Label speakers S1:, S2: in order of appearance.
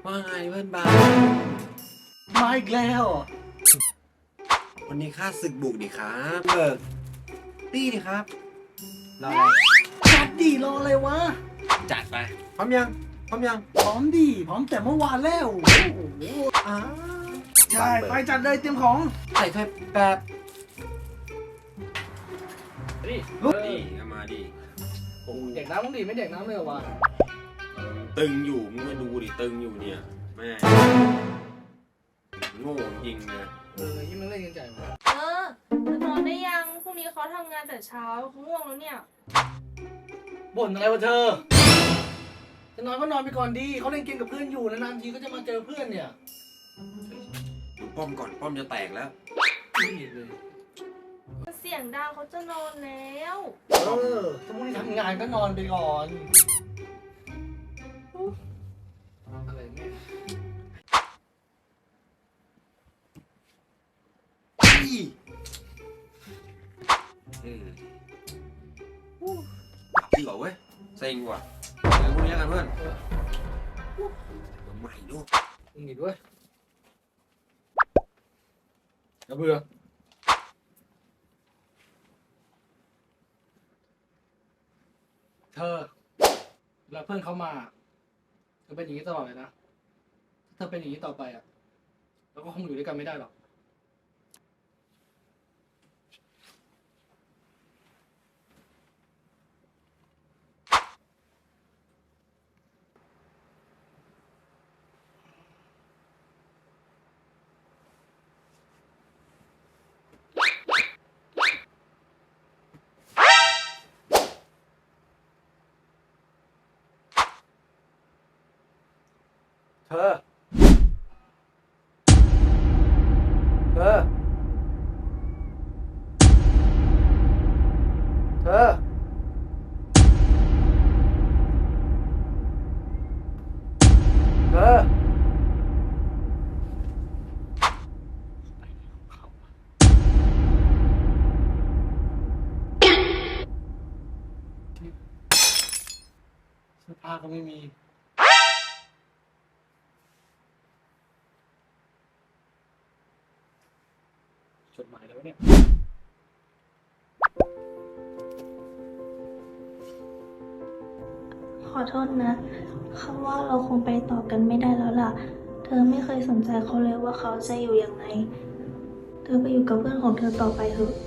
S1: ว่าไงเพื่อนบาส
S2: มาอีกแล้ว
S1: วันนี้ข้าศึกบุกดิครับเบิกตี้ดิครับรออะไร
S2: จัดดีรออะไรวะ
S1: จัดไปพร้อมยังพร้อมยัง
S2: พร้อมดีพร้อมแต่เมื่อวานแล้วโอ้โห
S1: อ้า
S2: ใช่ไปจัดเลยเตรียมของ
S1: ใส่ถ้วยแป๊บ
S3: นี่
S1: นี่เอามาดิ
S3: โอ้เด็กน้ำต้องดีไม่เด็กน้ำเลยเหรอวะ
S1: ตึงอยู่มึงมาดูดิตึงอยู่เนี่ยแม่โง่จริงนะ
S3: ยิ่งมันเล่นกันใจหมด
S4: จะนอนได้ยังพรุ่งนี้เขาทำงานแต่เช้าเขาง่วงแล้วเนี่ย
S3: บ่นอะไรวะเธอ จะนอนก็นอนไปก่อนดีเขาเล่นเกมกับเพื่อนอยู่นานๆทีก็จะมาเจอเพื่อนเนี่ย
S1: ดูป้อมก่อนป้อมจะแตกแล้ว
S3: นี่เลย
S4: เสียงดังเขาจะนอนแล้ว
S3: ถ้าพรุ่งนี้ทำงานก็นอนไปก่อนอะไรแม่
S1: หลับดีกว่าเว้ยเซ็งว่ะเดี๋ยวพรุ่งนี้กันเพื่อนมาใหม่ดู
S3: มึงหนีด้วยอย่าเบื่อเธอเวลาเพื่อนเขามาเธอเป็นอย่างนี้ตลอดเลยนะถ้าเธอเป็นอย่างนี้ต่อไปอ่ะเราก็คงอยู่ด้วยกันไม่ได้หรอกเธอ เธอ เธอ เธอ เสื้อผ้าก็ไม่มี จดหมายแล้วเนี่ย
S5: ขอโทษนะคำว่าเราคงไปต่อกันไม่ได้แล้วล่ะ เธอไม่เคยสนใจเขาเลยว่าเขาจะอยู่อย่างไร เธอไปอยู่กับเพื่อนของเธอต่อไปเถอะ